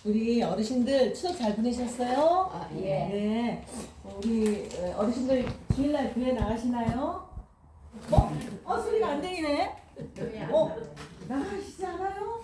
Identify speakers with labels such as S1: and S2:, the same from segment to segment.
S1: 우리 어르신들 추석 잘 보내셨어요?
S2: 아, 예.
S1: 네. 우리 어르신들 주일날 교회 나가시나요? 소리가 안 들리네. 나가시지 않아요?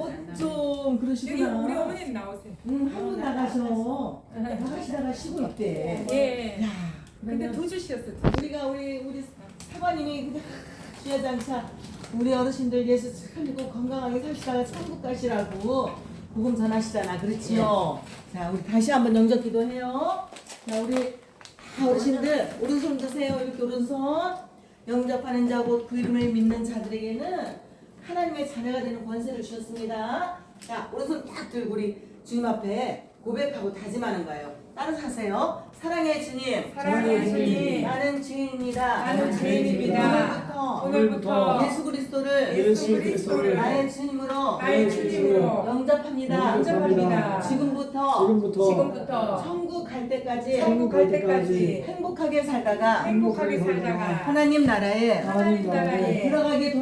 S1: 좀 그러시구나.
S3: 우리 어머님 나오세요.
S1: 한분 나가셔. 나가시다가 쉬고 있대.
S3: 예.
S1: 야,
S3: 근데
S1: 그러면
S3: 두 주셨어.
S1: 우리 사관님이 그냥 주야장차 우리 어르신들 예수 참 믿고 건강하게 사시다가 천국 가시라고 복음 전하시잖아. 그렇지요? 자, 우리 다시 한번 영접 기도해요. 자, 우리 다 어르신들 오른손 드세요. 이렇게 오른손. 영접하는 자 곧 그 이름을 믿는 자들에게는 하나님의 자녀가 되는 권세를 주셨습니다. 자, 오른손 딱 들고 우리 주님 앞에 고백하고 다짐하는 거예요. 따라서 하세요. 사랑의 주님,
S3: 사랑의 주님,
S1: 나는 주인입니다.
S3: 나는 주인입니다. 오늘부터
S1: 예수 그리스도를 나의 주님으로 영접합니다.
S3: 영접합니다.
S1: 지금부터 천국 갈 때까지 행복하게 살다가 하나님 나라에 들어가게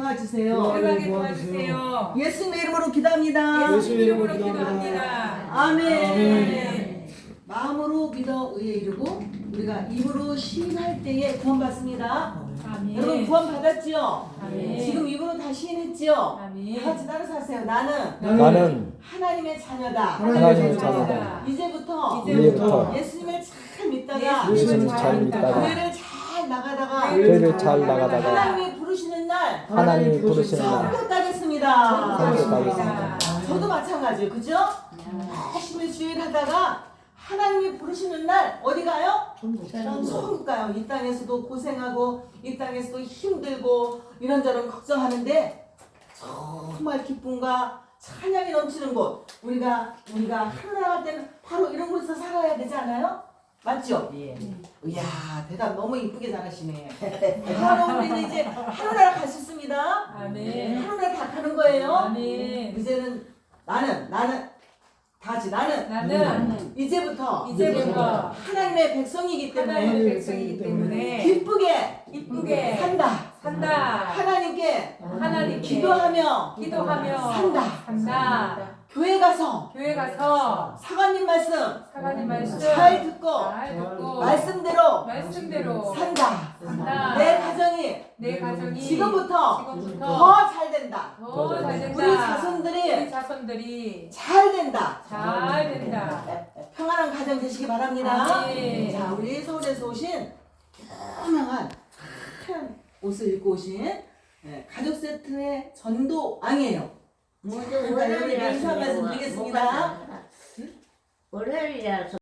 S1: 도와주세요. 예수님의 이름으로 기도합니다.
S3: 예수님 이름으로 기도합니다.
S1: 아멘. 마음으로 믿어 의에 이르고 우리가 입으로 시인할 때에 구원받습니다.
S3: 아멘.
S1: 여러분 구원 받았지요?
S3: 아멘.
S1: 지금 입으로 다 시인했지요?
S3: 아멘.
S1: 다 같이 따라서 하세요. 나는
S4: 나는
S1: 하나님의 자녀다.
S4: 하나님의 자녀다.
S1: 이제부터 예수님을 잘 믿다가
S4: 예수님을 잘 믿다가
S1: 교회를 잘 나가다가
S4: 교회를 잘 나가다가
S1: 하나님이 부르시는 날
S4: 하나님이 부르시는 날
S1: 천국 가겠습니다.
S4: 천국 가겠습니다.
S1: 저도 마찬가지예요. 그죠? 열심히 주일하다가 하나님이 부르시는 날 어디 가요? 천국 가요. 이 땅에서도 고생하고 이 땅에서도 힘들고 이런저런 걱정하는데 정말 기쁨과 찬양이 넘치는 곳 우리가 하늘 나갈 때는 바로 이런 곳에서 살아야 되지 않아요? 맞죠?
S2: 예.
S1: 이야 대답 너무 이쁘게 잘하시네. 바로 우리는 이제 하늘나라 갈 수 있습니다.
S3: 아멘.
S1: 하늘나라 다 가는 거예요.
S3: 아멘.
S1: 이제는 나는 다 같이
S3: 나는
S1: 이제부터 하나님의 백성이기
S3: 하나님의
S1: 때문에
S3: 백성이기 때문에
S1: 기쁘게 산다. 하나님께 기도하며
S3: 산다.
S1: 교회 가서 사관님 말씀 잘 듣고 말씀대로 산다. 내 가정이 지금부터 더 잘 된다. 우리 자손들이 잘 된다. 평안한 가정 되시기 바랍니다.
S3: 아멘.
S1: 자, 우리 서울에서 오신 유명한 하얀 옷을 입고 오신 가족 세트의 전도왕이에요.
S2: 먼저
S1: 여러분 인사 말씀 드리겠습니다.
S2: 월요일이라서